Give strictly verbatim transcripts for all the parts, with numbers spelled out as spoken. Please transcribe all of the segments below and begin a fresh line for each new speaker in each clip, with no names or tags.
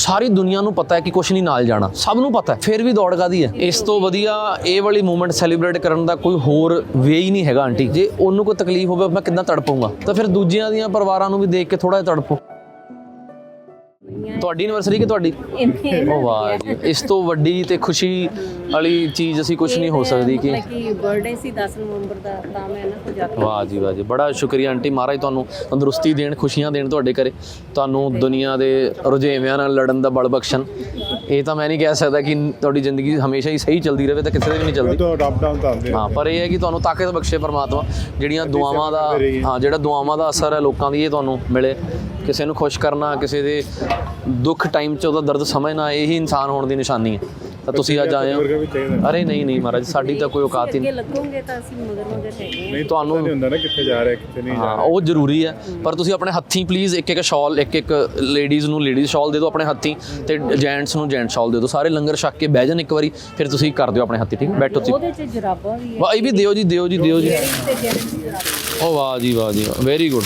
ਸਾਰੀ ਦੁਨੀਆ ਨੂੰ ਪਤਾ ਹੈ ਕਿ ਕੁਛ ਨਹੀਂ ਨਾਲ ਜਾਣਾ, ਸਭ ਨੂੰ ਪਤਾ ਹੈ, ਫਿਰ ਵੀ ਦੌੜ ਕਾਹਦੀ ਹੈ। ਇਸ ਤੋਂ ਵਧੀਆ ਇਹ ਵਾਲੀ ਮੂਮੈਂਟ ਸੈਲੀਬ੍ਰੇਟ ਕਰਨ ਦਾ ਕੋਈ ਹੋਰ ਵੇ ਹੀ ਨਹੀਂ ਹੈਗਾ ਆਂਟੀ। ਜੇ ਉਹਨੂੰ ਕੋਈ ਤਕਲੀਫ ਹੋਵੇ ਮੈਂ ਕਿੱਦਾਂ ਤੜਪੂੰਗਾ, ਤਾਂ ਫਿਰ ਦੂਜਿਆਂ ਦੀਆਂ ਪਰਿਵਾਰਾਂ ਨੂੰ ਵੀ ਦੇਖ ਕੇ ਥੋੜਾ ਜਿਹਾ ਤੜਪੋ। ਤੁਹਾਡੀ ਐਨਵਰਸਰੀ ਕਿ ਤੁਹਾਡੀ? ਓ ਵਾਹ ਜੀ, ਇਸ ਤੋਂ ਵੱਡੀ ਤੇ ਖੁਸ਼ੀ ਵਾਲੀ ਚੀਜ਼ ਅਸੀਂ ਕੁਝ ਨਹੀਂ ਹੋ ਸਕਦੀ ਕਿ
ਕਿ ਬਰਥਡੇ ਸੀ ਦਸ ਨਵੰਬਰ ਦਾ, ਤਾਂ ਮੈਂ ਇਹਨਾਂ ਕੋਲ ਜਾ ਕੇ।
ਵਾਹ ਜੀ ਵਾਹ ਜੀ, ਬੜਾ ਸ਼ੁਕਰੀਆ ਆਂਟੀ। ਮਹਾਰਾਜ ਤੁਹਾਨੂੰ ਤੰਦਰੁਸਤੀ ਦੇਣ, ਖੁਸ਼ੀਆਂ ਦੇਣ ਤੁਹਾਡੇ ਘਰੇ, ਤੁਹਾਨੂੰ ਦੁਨੀਆ ਦੇ ਰੁਝੇਵਿਆਂ ਨਾਲ ਲੜਨ ਦਾ ਬਲ ਬਖਸ਼ਣ। ਇਹ ਤਾਂ ਮੈਂ ਨਹੀਂ ਕਹਿ ਸਕਦਾ ਕਿ ਤੁਹਾਡੀ ਜ਼ਿੰਦਗੀ ਹਮੇਸ਼ਾ ਹੀ ਸਹੀ ਚੱਲਦੀ ਰਹੇ, ਤਾਂ ਕਿਸੇ ਦੀ ਵੀ ਨਹੀਂ ਚੱਲਦੀ। ਹਾਂ, ਪਰ ਇਹ ਹੈ ਕਿ ਤੁਹਾਨੂੰ ਤਾਕਤ ਬਖਸ਼ੇ ਪਰਮਾਤਮਾ, ਜਿਹੜੀਆਂ ਦੁਆਵਾਂ ਦਾ ਹਾਂ ਜਿਹੜਾ ਦੁਆਵਾਂ ਦਾ ਅਸਰ ਹੈ ਲੋਕਾਂ ਦੀ, ਇਹ ਤੁਹਾਨੂੰ ਮਿਲੇ। ਕਿਸੇ ਨੂੰ ਖੁਸ਼ ਕਰਨਾ, ਕਿਸੇ ਦੇ ਦੁੱਖ ਟਾਈਮ 'ਚ ਉਹਦਾ ਦਰਦ ਸਮਝਣਾ, ਇਹੀ ਇਨਸਾਨ ਹੋਣ ਦੀ ਨਿਸ਼ਾਨੀ ਹੈ। ਤਾਂ ਤੁਸੀਂ ਅੱਜ ਆਏ ਹੋ। ਅਰੇ ਨਹੀਂ ਨਹੀਂ ਮਹਾਰਾਜ, ਸਾਡੀ ਤਾਂ ਕੋਈ ਔਕਾਤ ਹੀ ਨਹੀਂ।
ਲੱਗੋਗੇ ਤਾਂ ਅਸੀਂ ਮਗਰ ਮਗਰ ਹੈਗੇ
ਨਹੀਂ, ਤੁਹਾਨੂੰ ਨਹੀਂ ਹੁੰਦਾ ਨਾ ਕਿੱਥੇ ਜਾ ਰਿਹਾ ਕਿੱਥੇ ਨਹੀਂ ਜਾ ਰਿਹਾ, ਉਹ ਜ਼ਰੂਰੀ ਹੈ। ਪਰ ਤੁਸੀਂ ਆਪਣੇ ਹੱਥੀਂ ਪਲੀਜ਼ ਇੱਕ ਇੱਕ ਸ਼ਾਲ, ਇੱਕ ਇੱਕ ਲੇਡੀਜ਼ ਨੂੰ ਲੇਡੀਜ਼ ਸ਼ਾਲ ਦੇ ਦਿਓ ਆਪਣੇ ਹੱਥੀਂ, ਤੇ ਜੈਂਟਸ ਨੂੰ ਜੈਂਟ ਸ਼ਾਲ ਦੇ ਦਿਓ। ਸਾਰੇ ਲੰਗਰ ਛਕ ਕੇ ਬਹਿ ਜਾਣ ਇੱਕ ਵਾਰੀ, ਫਿਰ ਤੁਸੀਂ ਕਰ ਦਿਓ ਆਪਣੇ ਹੱਥੀਂ, ਠੀਕ? ਬੈਠੋ ਤੁਸੀਂ।
ਉਹਦੇ 'ਚ ਜਰਾਬਾਂ ਵੀ ਹੈ।
ਵਾਹ, ਇਹ ਵੀ ਦਿਓ ਜੀ, ਦਿਓ ਜੀ, ਦਿਓ ਜੀ। ਓ ਵਾਹ ਜੀ ਵਾਹ ਜੀ, ਵੈਰੀ ਗੁੱਡ,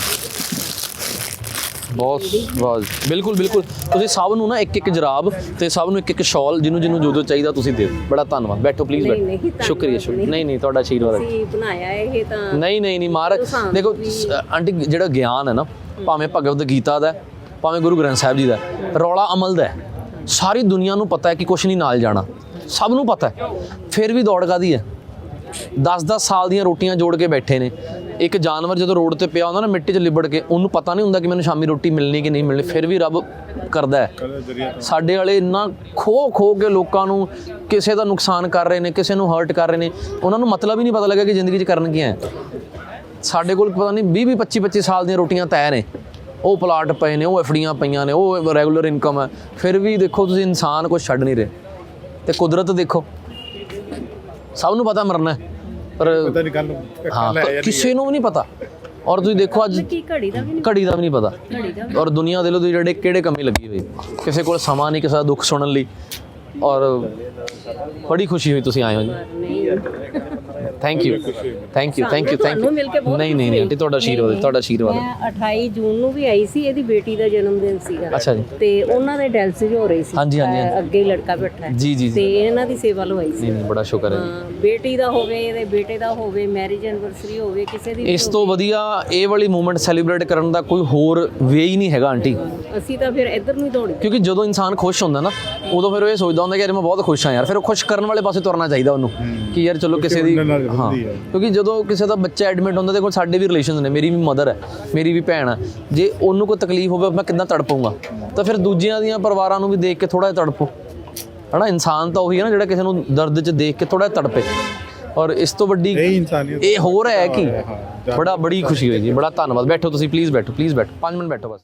ਬਹੁਤ ਵਾਹ, ਬਿਲਕੁਲ ਬਿਲਕੁਲ। ਤੁਸੀਂ ਸਭ ਨੂੰ ਨਾ ਇੱਕ ਇੱਕ ਜਰਾਬ ਤੇ ਸਭ ਨੂੰ ਇੱਕ ਇੱਕ ਸ਼ਾਲ, ਜਿਹਨੂੰ ਜਿਹਨੂੰ ਜੋ ਜੋ ਚਾਹੀਦਾ ਤੁਸੀਂ ਦਿਓ। ਬੜਾ ਧੰਨਵਾਦ। ਬੈਠੋ ਪਲੀਜ਼, ਬੈਠੋ। ਸ਼ੁਕਰੀਆ ਸ਼ੁਕਰੀਆ। ਨਹੀਂ ਨਹੀਂ, ਤੁਹਾਡਾ ਆਸ਼ੀਰਵਾਦ ਹੈ।
ਬਣਾਇਆ ਇਹ ਤਾਂ
ਨਹੀਂ ਨਹੀਂ ਨਹੀਂ ਮਹਾਰਾਜ ਦੇਖੋ ਆਂਟੀ, ਜਿਹੜਾ ਗਿਆਨ ਹੈ ਨਾ, ਭਾਵੇਂ ਭਗਵਦ ਗੀਤਾ ਦਾ, ਭਾਵੇਂ ਗੁਰੂ ਗ੍ਰੰਥ ਸਾਹਿਬ ਜੀ ਦਾ, ਰੌਲਾ ਅਮਲ ਦਾ ਹੈ। ਸਾਰੀ ਦੁਨੀਆ ਨੂੰ ਪਤਾ ਹੈ ਕਿ ਕੁਛ ਨਹੀਂ ਨਾਲ ਜਾਣਾ, ਸਭ ਨੂੰ ਪਤਾ ਹੈ, ਫਿਰ ਵੀ ਦੌੜ ਕਾਹਦੀ ਹੈ। ਦਸ ਦਸ ਸਾਲ ਦੀਆਂ ਰੋਟੀਆਂ ਜੋੜ ਕੇ ਬੈਠੇ ਨੇ। ਇੱਕ ਜਾਨਵਰ ਜਦੋਂ ਰੋਡ ਤੇ ਪਿਆ ਹੁੰਦਾ ਨਾ ਮਿੱਟੀ 'ਚ ਲਿਬੜ ਕੇ, ਉਹਨੂੰ ਪਤਾ ਨਹੀਂ ਹੁੰਦਾ ਕਿ ਮੈਨੂੰ ਸ਼ਾਮੀ ਰੋਟੀ ਮਿਲਣੀ ਕਿ ਨਹੀਂ ਮਿਲਣੀ, ਫਿਰ ਵੀ ਰੱਬ ਕਰਦਾ ਹੈ। ਸਾਡੇ ਵਾਲੇ ਇੰਨਾ ਖੋ ਖੋ ਕੇ ਲੋਕਾਂ ਨੂੰ ਕਿਸੇ ਦਾ ਨੁਕਸਾਨ ਕਰ ਰਹੇ ਨੇ, ਕਿਸੇ ਨੂੰ ਹਰਟ ਕਰ ਰਹੇ ਨੇ, ਉਹਨਾਂ ਨੂੰ ਮਤਲਬ ਹੀ ਨਹੀਂ ਪਤਾ ਲੱਗਾ ਕਿ ਜ਼ਿੰਦਗੀ 'ਚ ਕਰਨ ਕੀ ਹੈ। ਸਾਡੇ ਕੋਲ ਪਤਾ ਨਹੀਂ ਵੀਹ ਵੀਹ ਪੱਚੀ ਪੱਚੀ ਸਾਲ ਦੀਆਂ ਰੋਟੀਆਂ ਤੈਅ ਨੇ, ਉਹ ਪਲਾਟ ਪਏ ਨੇ, ਉਹ ਐਫਡੀਆਂ ਪਈਆਂ ਨੇ, ਉਹ ਰੈਗੂਲਰ ਇਨਕਮ ਹੈ, ਫਿਰ ਵੀ ਦੇਖੋ ਤੁਸੀਂ ਇਨਸਾਨ ਕੁਛ ਛੱਡ ਨਹੀਂ ਰਹੇ। ਤੇ ਕੁਦਰਤ ਦੇਖੋ, ਸਭ ਨੂੰ ਪਤਾ ਮਰਨਾ ਹੈ, ਪਰ ਹਾਂ ਕਿਸੇ ਨੂੰ ਵੀ ਨਹੀਂ ਪਤਾ। ਔਰ ਤੁਸੀਂ ਦੇਖੋ ਅੱਜ
ਘੜੀ ਦਾ ਵੀ
ਘੜੀ ਦਾ ਵੀ ਨਹੀਂ ਪਤਾ। ਔਰ ਦੁਨੀਆ ਦੇ ਲੋ ਤੁਸੀਂ ਜਿਹੜੇ ਕਿਹੜੇ ਕੰਮੀ ਲੱਗੀ ਹੋਈ, ਕਿਸੇ ਕੋਲ ਸਮਾਂ ਨਹੀਂ ਕਿਸੇ ਦਾ ਦੁੱਖ ਸੁਣਨ ਲਈ। ਔਰ ਬੜੀ ਖੁਸ਼ੀ ਹੋਈ ਤੁਸੀਂ ਆਏ ਹੋ ਜੀ। Thank you thank you thank you thank you. ਨਹੀਂ ਨਹੀਂ ਨਹੀਂ ਆਂਟੀ, ਤੁਹਾਡਾ ਆਸ਼ੀਰਵਾਦ ਹੈ, ਤੁਹਾਡਾ ਆਸ਼ੀਰਵਾਦ ਹੈ।
ਮੈਂ ਅਠਾਈ ਜੂਨ ਨੂੰ ਵੀ ਆਈ ਸੀ, ਇਹਦੀ ਬੇਟੀ ਦਾ ਜਨਮ ਦਿਨ ਸੀਗਾ।
ਅੱਛਾ ਜੀ।
ਤੇ ਉਹਨਾਂ ਦੇ ਡੈਲਸਿਸ ਹੋ ਰਹੀ ਸੀ।
ਹਾਂਜੀ ਹਾਂਜੀ,
ਅੱਗੇ ਲੜਕਾ ਬੈਠਾ ਹੈ
ਜੀ ਜੀ,
ਤੇ ਇਹਨਾਂ ਦੀ ਸੇਵਾ ਲਵਾਈ ਸੀ।
ਨਹੀਂ ਨਹੀਂ, ਬੜਾ ਸ਼ੁਕਰ ਹੈ
ਹਾਂ, ਬੇਟੀ ਦਾ ਹੋਵੇ, ਇਹਦੇ ਬੇਟੇ ਦਾ ਹੋਵੇ, ਮੈਰਿਜ ਐਨਵਰਸਰੀ ਹੋਵੇ, ਕਿਸੇ ਦੀ।
ਇਸ ਤੋਂ ਵਧੀਆ ਇਹ ਵਾਲੀ ਮੂਮੈਂਟ ਸੈਲੀਬ੍ਰੇਟ ਕਰਨ ਦਾ ਕੋਈ ਹੋਰ ਵੇ ਹੀ ਨਹੀਂ ਹੈਗਾ ਆਂਟੀ।
ਅਸੀਂ ਤਾਂ ਫਿਰ ਇੱਧਰ ਨੂੰ ਹੀ ਦੌੜੇ,
ਕਿਉਂਕਿ ਜਦੋਂ ਇਨਸਾਨ ਖੁਸ਼ ਹੁੰਦਾ ਨਾ, ਉਦੋਂ ਫਿਰ ਉਹ ਇਹ ਸੋਚਦਾ ਹੁੰਦਾ ਕਿ ਯਾਰ ਮੈਂ ਬਹੁਤ ਖੁਸ਼ ਹਾਂ ਯਾਰ, ਫਿਰ ਉਹ ਖੁਸ਼ ਕਰਨ ਵਾਲੇ ਪਾਸੇ ਤੁਰਨਾ ਚਾਹੀਦਾ ਉਹਨੂੰ, ਕਿ ਯਾਰ ਚਲੋ ਕਿਸੇ ਦੀ। ਹਾਂ, ਕਿਉਂਕਿ ਜਦੋਂ ਕਿਸੇ ਦਾ ਬੱਚਾ ਐਡਮਿਟ ਹੁੰਦਾ, ਦੇਖੋ ਸਾਡੇ ਵੀ ਰਿਲੇਸ਼ਨਸ ਨੇ, ਮੇਰੀ ਵੀ ਮਦਰ ਹੈ, ਮੇਰੀ ਵੀ ਭੈਣ ਹੈ। ਜੇ ਉਹਨੂੰ ਕੋਈ ਤਕਲੀਫ ਹੋਵੇ ਮੈਂ ਕਿੱਦਾਂ ਤੜਪੂੰਗਾ, ਤਾਂ ਫਿਰ ਦੂਜਿਆਂ ਦੀਆਂ ਪਰਿਵਾਰਾਂ ਨੂੰ ਵੀ ਦੇਖ ਕੇ ਥੋੜਾ ਜਿਹਾ ਤੜਪੋ, ਹੈ ਨਾ। ਇਨਸਾਨ ਤਾਂ ਉਹੀ ਹੈ ਨਾ ਜਿਹੜਾ ਕਿਸੇ ਨੂੰ ਦਰਦ 'ਚ ਦੇਖ ਕੇ ਥੋੜਾ ਜਿਹਾ ਤੜਪੇ। ਔਰ ਇਸ ਤੋਂ ਵੱਡੀ ਇਹ ਹੋਰ ਹੈ ਕਿ ਬੜਾ ਬੜੀ ਖੁਸ਼ੀ ਹੋਈ ਜੀ। ਬੜਾ ਧੰਨਵਾਦ। ਬੈਠੋ ਤੁਸੀਂ ਪਲੀਜ਼, ਬੈਠੋ ਪਲੀਜ਼, ਬੈਠੋ, ਪੰਜ ਮਿੰਟ ਬੈਠੋ ਬਸ।